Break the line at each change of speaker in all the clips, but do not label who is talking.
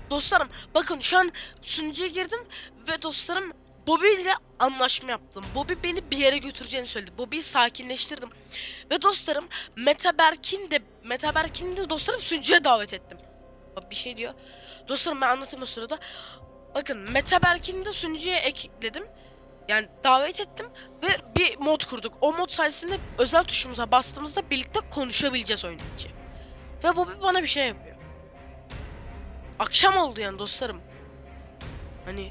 Dostlarım bakın şu an sunucuya girdim ve dostlarım Bobby ile anlaşma yaptım. Bobby beni bir yere götüreceğini söyledi. Bobby'yi sakinleştirdim. Ve dostlarım Metaberk'in de dostlarım sunucuya davet ettim. Bak bir şey diyor. Dostlarım ben anlatayım o sırada. Bakın Metaberk'in de sunucuya ekledim. Yani davet ettim ve bir mod kurduk. O mod sayesinde özel tuşumuza bastığımızda birlikte konuşabileceğiz oyun içi. Ve Bobby bana bir şey yapıyor. Akşam oldu yani dostlarım. Hani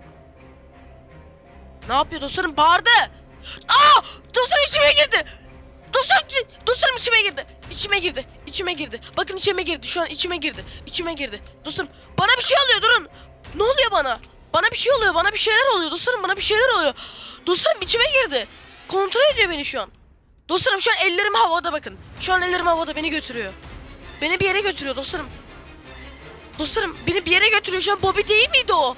ne yapıyor dostlarım? Bağırdı. Aa! Dostlarım içime girdi. Dostlarım içime girdi. İçime girdi. Bakın içime girdi. Şu an içime girdi. Dostlarım bana bir şey oluyor, durun. Ne oluyor bana? Bana bir şey oluyor. Bana bir şeyler oluyor. Dostlarım bana bir şeyler oluyor. Dostlarım içime girdi. Kontrol ediyor beni şu an. Dostlarım şu an ellerim havada bakın. Şu an ellerim havada beni götürüyor. Beni bir yere götürüyor dostlarım. Dostlarım beni bir yere götürüyor şu an. Bobby değil miydi o?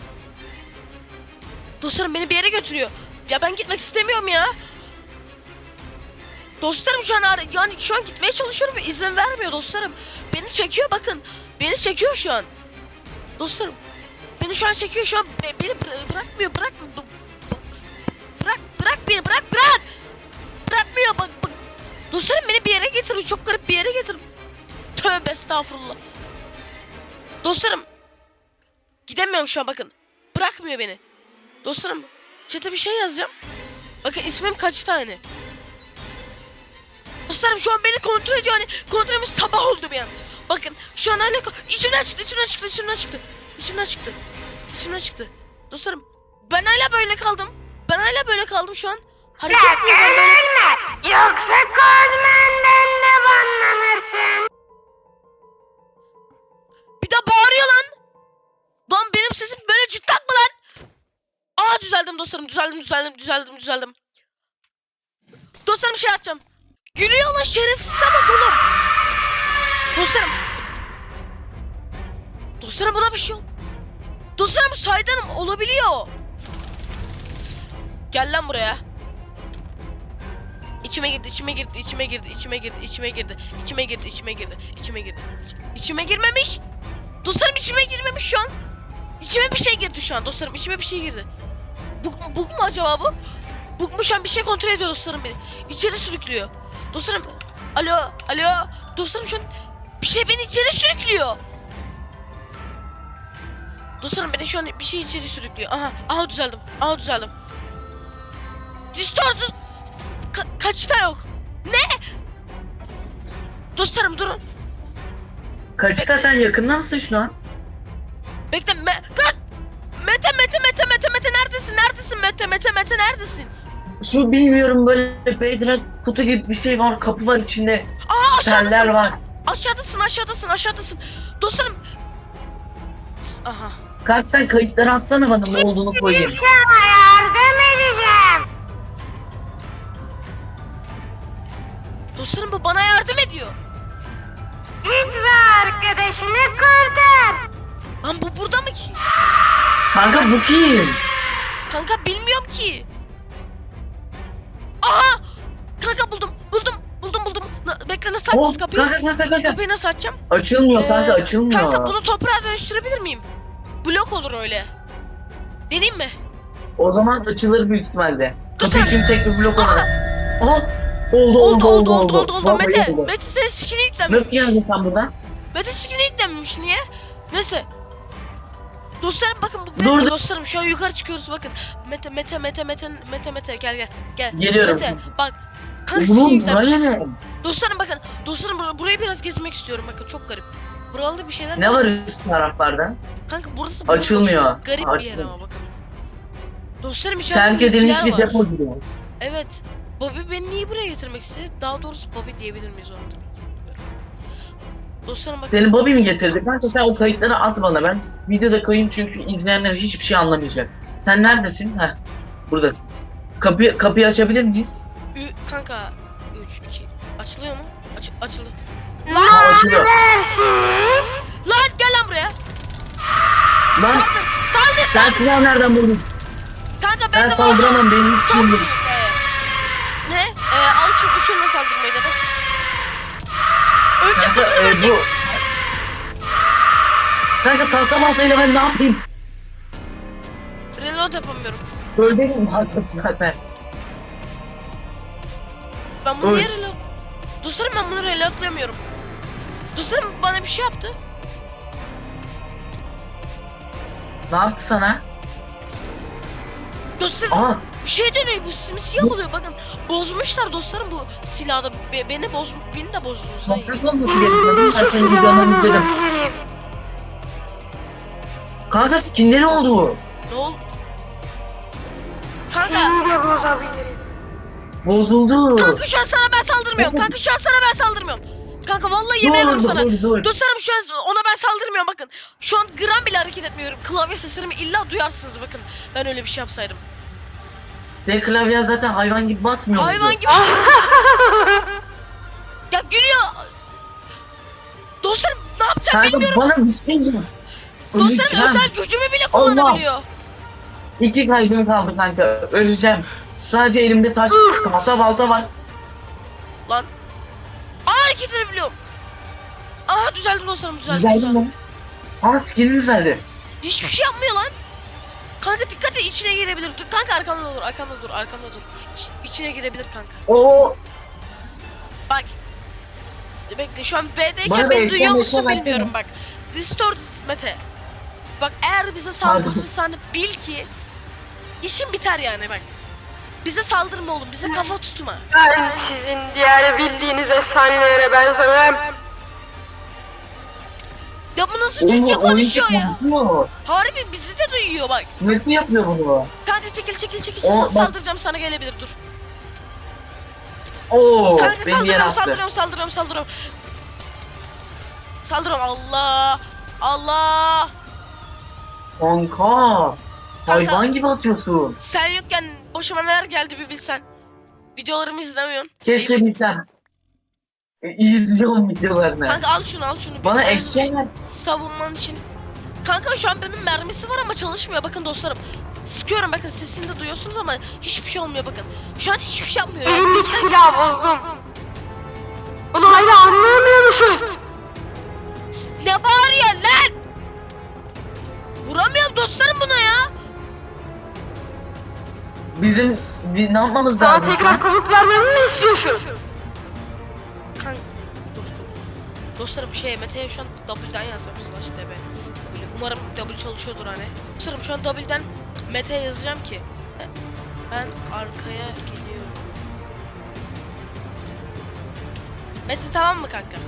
Dostlarım beni bir yere götürüyor. Ya ben gitmek istemiyorum ya. Dostlarım şu an yani şu an gitmeye çalışıyorum ve izin vermiyor dostlarım. Beni çekiyor bakın. Beni çekiyor şu an. Dostlarım beni şu an çekiyor şu an. Beni bırakmıyor. Bırak beni. Bırak. Bırakmıyor bak. Dostlarım beni bir yere getiriyor. Çok garip bir yere getiriyor. Tövbe estağfurullah. Dostlarım gidemiyorum şu an bakın. Bırakmıyor beni. Dostlarım chat'e bir şey yazacağım. Bakın ismim kaç tane. Dostlarım şu an beni kontrol ediyor, hani kontrolümüz sabah oldu bir an. Bakın şu an hala içimden çıktı. Dostlarım ben hala böyle kaldım şu an. Hareket etmiyor ben böyle.
Yoksa Codman'dan da banlanırsın.
Bir de bağırıyor lan. Lan benim sesim böyle cidden mi lan? Aa düzeldim dostlarım, düzeldim. Dostlarım şey atacağım. Gülüyor lan şerefsize bak oğlum. Dostlarım buna bir şey ol. Dostlarım saydanım olabiliyor. Gel lan buraya. İçime girmemiş. Dostlarım içime girmemiş şu an. İçime bir şey girdi şu an dostlarım. İçime bir şey girdi. Bug mu acaba bu? Bug mu şu an bir şey kontrol ediyor dostlarım beni. İçeri sürüklüyor. Dostlarım. Alo. Dostlarım şu an bir şey beni içeri sürüklüyor. Dostlarım beni şu an bir şey içeri sürüklüyor. Aha düzeldim. Distort. Kaçta yok. Ne? Dostlarım durun.
Kaçta, sen yakında mısın şu an?
Bekle. Mete neredesin? Mete neredesin?
Şu bilmiyorum, böyle Bedrock kutu gibi bir şey var, kapı var içinde.
Aa
Teller var.
Aşağıdasın. Dostlarım. Aha.
Kaç, sen kayıtları atsana bana, ne olduğunu koyayım.
Sana yardım edeceğim.
Dostlarım bu bana yardım ediyor.
Git ve arkadaşını kurtar.
Lan bu burada mı ki?
Kanka bu kim?
Kanka bilmiyorum ki. Aha! Kanka buldum. Bekle nasıl açacağız kapıyı?
Kanka.
Kapıyı nasıl açacağım?
Açılmıyor kanka, açılmıyor.
Kanka bunu toprağa dönüştürebilir miyim? Blok olur öyle. Deneyim mi?
O zaman açılır büyük ihtimalle. Kapı
Dur.
için tek bir blok olarak. Aha! Oldu. Vallahi oldu.
Mete senin skin'i yüklenmemiş.
Nasıl geldin sen buradan?
Mete skin'i yüklenmemiş niye? Neyse. Dostlarım bakın bu
Dur.
Mete dostlarım şu an yukarı çıkıyoruz bakın. Mete gel.
Geliyorum.
Mete bak. Kanka skin'i
Oğlum
yüklenmiş.
buraya ne?
Dostlarım bakın. Burayı biraz gezmek istiyorum bakın, çok garip. Buralarda bir şeyler
Ne var üst taraflarda?
Kanka burası
Açılmıyor.
bomboş. Garip bir yer
Açılmıyor.
ama bakın. Dostlarım içeride
Terk edilmiş bir
var.
depo gibi.
Evet. Bobby beni niye buraya getirmek istedi? Daha doğrusu Bobby diyebilir miyiz onu da bilmiyorum. Dostlarım bakın.
Seni Bobby mi getirdi? Kanka sen o kayıtları at bana, ben videoda koyayım çünkü izleyenler hiçbir şey anlamayacak. Sen neredesin? Heh, buradasın. Kapıyı açabilir miyiz?
Kanka 3 2 açılıyor mu? Açıldı.
Aa, açılıyor.
Dersiz.
Lan gel lan buraya.
Lan
Saldır.
sen silahı nereden buldun?
Kanka
Ben
de
saldıramam, benim hiç şeyim yok.
Ne? Al şununla saldırmayı da Önce
Kanka,
kurtul.
bu... Kanka tahta baltayla ben ne yapayım?
Reload yapamıyorum.
Öldüm zaten.
Ben bunu niye
Öl.
reload... Dostlarım ben bunu reloadlayamıyorum. Dostlarım bana bir şey yaptı.
Ne yaptı sana?
Dostlarım
Aa,
bir şey dönüyor, bu simsiyah oluyor, bakın. Bozmuşlar dostlarım bu silahda. Beni de bozdunuz. Hayır.
toprak olması gerekiyor. Ben senin videolarını izledim.
Olabilirim.
Kanka skinleri oldu.
Ne oldu? Kanka.
Seni de bozabilirim.
Bozuldu.
Kanka şu an sana ben saldırmıyorum. Kanka şu an sana ben saldırmıyorum. Kanka vallahi yemin ederim sana.
Dur.
Dostlarım şu an ona ben saldırmıyorum, bakın. Şu an gram bile hareket etmiyorum. Klavye seslerimi illa duyarsınız, bakın. Ben öyle bir şey yapsaydım.
Senin klavyen zaten hayvan gibi basmıyor muydu?
Hayvan gibi. Ya gülüyor. Dostlarım ne yapacağım
Kanka
bilmiyorum.
bana bir şey yap.
Dostlarım
Öleceğim.
özel gücümü bile kullanabiliyor.
2 kalbim kaldı kanka. Öleceğim. Sadece elimde taş, tahta balta var.
Lan. Aa, hareket edebiliyorum. Aa, düzeldi dostlarım, düzeldi.
Güzel
düzeldi.
mi? Aa skinin güzeldi.
Hiçbir şey yapmıyor lan. Kanka dikkat et, içine girebilir. Dur kanka, arkamda dur, arkamda dur, arkamda dur. İçine girebilir kanka.
Oo.
Bak. Bekle, şu an B'deyken
Bana da
beni
eşya
duyuyor
meşya
musun
versene.
bilmiyorum bak. Distort Mete. Bak eğer bize saldırırsan bil ki işin biter yani bak. Bize saldırma oğlum, bize kafa tutma.
Ben sizin diğer bildiğiniz efsanelere benzemem.
Ya bu nasıl Türkçe konuşuyor ya?
Konuşuyor.
Harbi bizi de duyuyor bak.
Nasıl yapıyor bunu?
Kanka çekil
O, bak.
saldıracağım sana, gelebilir dur.
Oo,
Kanka
beni yere
saldırıyorum
attı.
Saldırıyorum Allah. Allah.
Kanka. Hayvan gibi atıyorsun.
Sen yokken başıma neler geldi bir bilsen. Videolarımı izlemiyorsun.
Keşke bilsem. İzliyorum videolarını.
Kanka al şunu.
Bana
Benim
eşeğe ver.
savunman için. Kanka şu an benim mermisi var ama çalışmıyor, bakın dostlarım. Sıkıyorum, bakın sesini de duyuyorsunuz ama hiçbir şey olmuyor, bakın. Şu an hiçbir şey yapmıyor ya.
Elimdeki
Bizden...
silahı bozdum. Bunu hala anlayamıyor musun?
Ne bağırıyor lan? Vuramıyorum dostlarım buna ya.
Bizim ne yapmamız
Sana
lazım?
tekrar komut vermemi mi istiyorsun?
Kanka dur. Dostlarım Mete'ye şu an W'den yazdım /db. Umarım W çalışıyordur hani. Dostlarım şu an W'den Mete'ye yazacağım ki ben arkaya gidiyorum. Mete tamam mı kanka?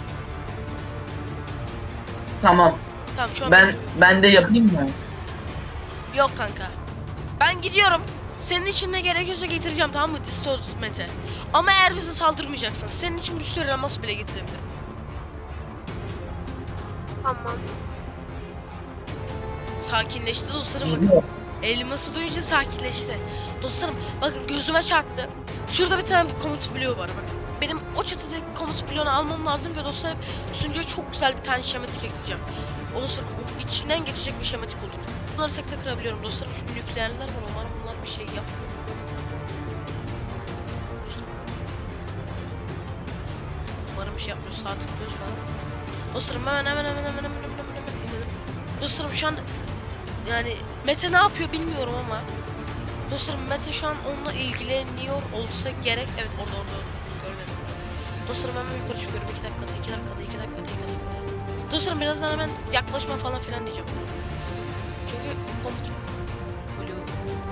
Tamam.
Tamam şu an
Ben de yapayım mı?
yok kanka. Ben gidiyorum. Senin için ne gerekiyorsa getireceğim, tamam mı? Distort Mete. Ama eğer bize saldırmayacaksan senin için bir sürü elmas bile getirebilirim.
Tamam.
Sakinleşti dostlarım, bakın.
Geliyor.
Elması duyunca sakinleşti. Dostlarım bakın gözüme çarptı. Şurada bir tane komut bloğu var bakın. Benim o çatıdaki komut bloğunu almam lazım ve dostlarım sunucuya çok güzel bir tane şematik ekleyeceğim. O dostlarım onun içinden geçecek bir şematik olur. Bunları tek tek kırabiliyorum dostlarım. Şu nükleerler var, umarım bunlar bir şey yap. Umarım bir şey yapmıyor. Sağ tıklıyoruz falan. Dostlarım hemen inanın. Dostlarım şu an yani Mete ne yapıyor bilmiyorum ama dostlarım Mete şu an onunla ilgileniyor olsa gerek. Evet orada görmedim. Dostlarım hemen yukarı çıkıyorum 2 dakikada. Dostlarım birazdan hemen yaklaşma falan filan diyeceğim. Çünkü komut bölüyor.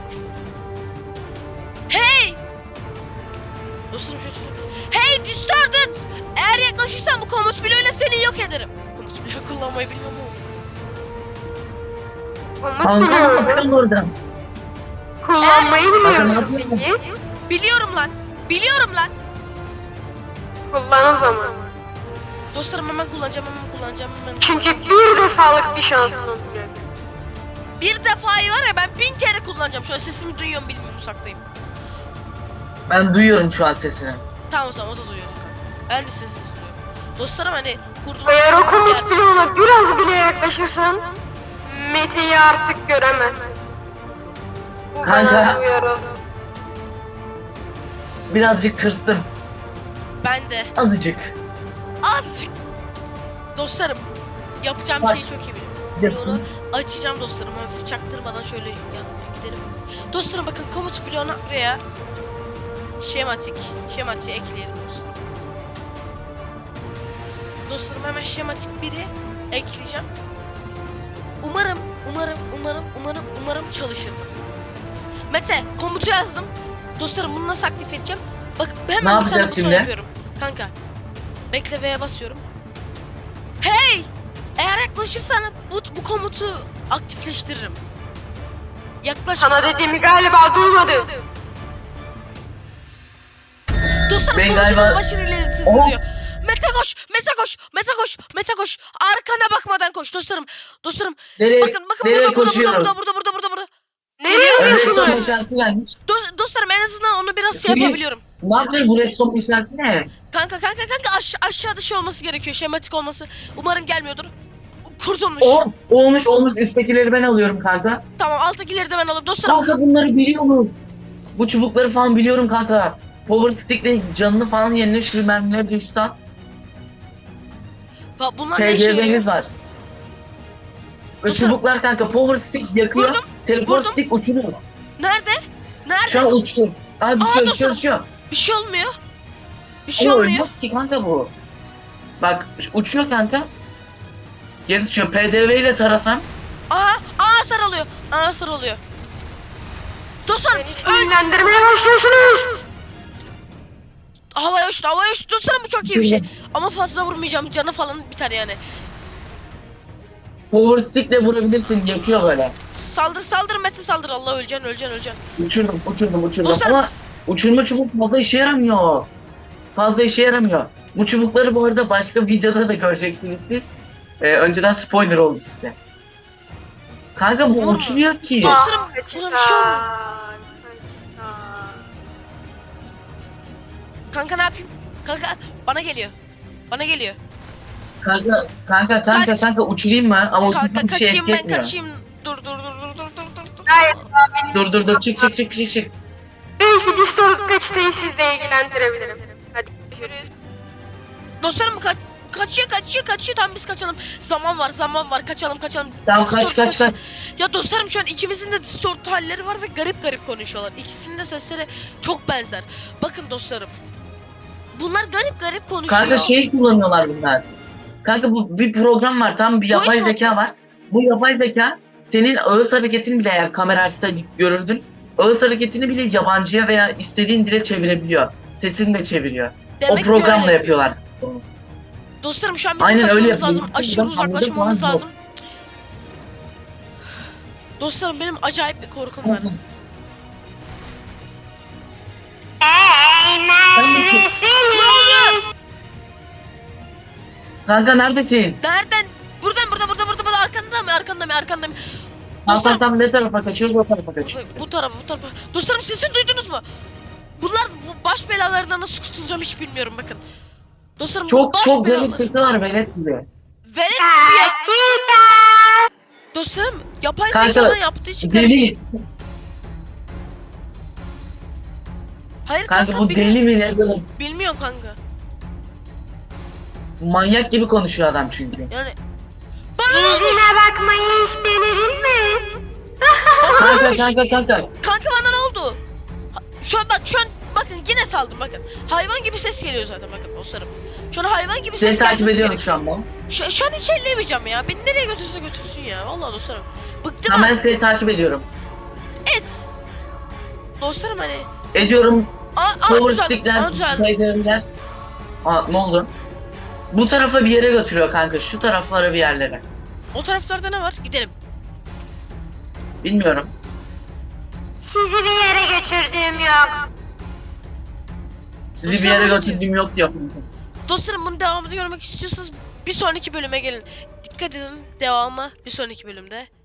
Hey! Dostlarım hey Distorted! Eğer yaklaşırsan bu komut bloğuyla seni yok ederim. Komut bloğu kullanmayı bilmiyorum ama.
Komut
Kanka
biliyorum.
bakın oradan.
Kullanmayı biliyor musun
Bakın,
peki?
Biliyorum lan.
Kullan o zaman.
Dostlarım hemen kullanacağım.
Çünkü bir defalık bir şansın olacak.
Bir defayı var ya, ben 1000 kere kullanacağım. Şöyle sesimi duyuyorum bilmiyorum, uzaktayım.
Ben duyuyorum şu an sesini.
Tamam o zaman o da duyuyordur kanka. Ben de senin sesini duyuyorum. Dostlarım hani kurduğum...
Eğer o komut bloğuna biraz bile yaklaşırsan Mete'yi artık göremezsin. Bu
Kanka.
bana uyarı.
Birazcık tırstım.
Ben de.
Azıcık.
Azıcık. Dostlarım yapacağım
Bak.
şeyi çok iyi biliyorum. bloğunu açacağım dostlarım. Hafif çaktırmadan şöyle yanına gidelim. Dostlarım bakın komut bloğuna buraya şematiği ekleyelim dostlarım. Dostlarım hemen şematik biri ekleyeceğim. Umarım çalışır. Mete komutu yazdım. Dostlarım bunu nasıl aktif edeceğim? Bak hemen
Ne
bir tane
yapacağız
buton
şimdi?
yapıyorum. Kanka. Bekle V'ye basıyorum. Hey! Eğer yaklaşırsan bu komutu aktifleştiririm. Yaklaş.
Sana dediğimi galiba duymadın.
Dostlarım
Ben
komutunun
galiba-
başını ilerletsin
Oh!
diyor. Mete koş. Arkana bakmadan koş dostlarım. Dostlarım
Nereye,
bakın
nereye
burada.
koşuyoruz?
Burada.
Nereye
Redstone
gidiyorsunuz?
meşalesi gelmiş.
Dostlarım en azından onu biraz şey
Peki.
yapabiliyorum.
Ne yapacağız bu redstone meşalesi ne?
Kanka aşağıda şey olması gerekiyor. Şematik olması. Umarım gelmiyordur. Kurtulmuş.
Olmuş. Üsttekileri ben alıyorum kanka.
Tamam alttakileri de ben alayım. Dostlarım
Kanka bunları biliyorum. Bu çubukları falan biliyorum kanka. Power stick'le canını falan yerine şu mermileri de üstü at.
bunlar ne işe yarıyor?
PGB'miz var. Ve
Dostlarım.
çubuklar kanka power stick yakıyor.
Vurdum,
Teleport
vurdum.
stick uçuruyor.
Nerede?
Şu an uçuyor. Abi
dostlarım.
uçuyor.
Bir şey olmuyor. Bir şey
Ama
olmuyor.
ölmez ki kanka bu. Bak uçuyor kanka. Geri düşüyor. PDV ile tarasam.
Sarılıyor. Dostlarım
Beni sinirlendirmeye başlıyorsunuz.
havaya uçtu. Dostlarım bu çok iyi bir şey. Ama fazla vurmayacağım. Canı falan biter yani.
Power stick'le vurabilirsin. Yakıyor böyle.
Saldır Mete saldır. Allah öleceksin.
Uçurdum.
Dostlarım.
Ama uçurma çubuk fazla işe yaramıyor. Bu çubukları bu arada başka videoda da göreceksiniz siz. Önceden spoiler oldu size. Kanka bu
Vurma.
uçmuyor ki.
Dostlarım buna bir şey olmuyor. Kanka ne yapayım? Kanka bana geliyor.
Kanka uçurayım mı? Ama
Kanka
uçurmak bir şey
kaçayım
etki
ben
etmiyor.
kaçayım. Dur.
Gayet daha benim.
Dur çık.
Belki bir soru kaçtayı sizle ilgilendirebilirim. Hadi görüşürüz.
Dostlarım kaçıyor. Tamam biz kaçalım. Zaman var. Kaçalım.
Tamam
Distort
kaç.
Ya dostlarım şu an ikimizin de distort halleri var ve garip konuşuyorlar. İkisinin de sesleri çok benzer. Bakın dostlarım. Bunlar garip konuşuyor.
Kanka şey kullanıyorlar bunlar. Kanka bu bir program var, tam bir yapay
Voice
zeka var. Bu yapay zeka senin ağız hareketini bile, eğer kamera açsaydı görürdün. Ağız hareketini bile yabancıya veya istediğin dile çevirebiliyor. Sesini de çeviriyor.
Demek
O
ki
programla
öyle.
yapıyorlar.
Dostlarım şu an bizim
Aynen öyle
kaçmamız
yapıyor.
lazım.
Bizim
Aşırı
buradan
uzaklaşmamız
anladım
lazım. Dostlarım benim acayip bir korkum var.
Kanka neredesin?
Nereden? Buradan arkandayım.
Tam ne tarafa kaçıyoruz, o tarafa kaçıyoruz.
Bu tarafa. Dostlarım sesi duydunuz mu? Bunlar bu baş belalarından nasıl kurtulacağım hiç bilmiyorum bakın. Dostlarım bu baş
Çok
belalar-
garip sesi var, velet gibi.
Velet gibi ya. Dostlarım yapay
Kanka,
zekadan yaptığı için garip.
Deli.
Hayır
Kanka bu deli mi ne böyle?
bilmiyorum kanka.
Manyak gibi konuşuyor adam çünkü.
Yani bana ne olmuş?
Yüzüne bakmayı hiç denedin mi?
Kanka.
Kanka bana ne oldu? Şu an bakın yine saldım bakın. Hayvan gibi ses geliyor zaten bakın dostlarım. Şu an hayvan gibi
Seni
ses
takip
gelmesi
ediyorum
gerekiyor.
şu an ben.
Şu an hiç elleyemeyeceğim ya. Beni nereye götürse götürsün ya. Vallahi dostlarım. Bıktım
Tamam, ben
artık.
seni takip ediyorum.
Et. Dostlarım hani.
Ediyorum. Power
Düzeldi.
stickler,
Düzeldi.
PDV'ler. Ne oldu? Bu tarafa bir yere götürüyor kanka. Şu taraflara bir yerlere.
O taraflarda ne var? Gidelim.
Bilmiyorum.
Sizi bir yere götürdüğüm yok.
Sizi bir
Sen
yere
bana
götürdüğüm yok diyor.
Dostlarım bunun devamını görmek istiyorsanız bir sonraki bölüme gelin. Dikkat edin devamı bir sonraki bölümde.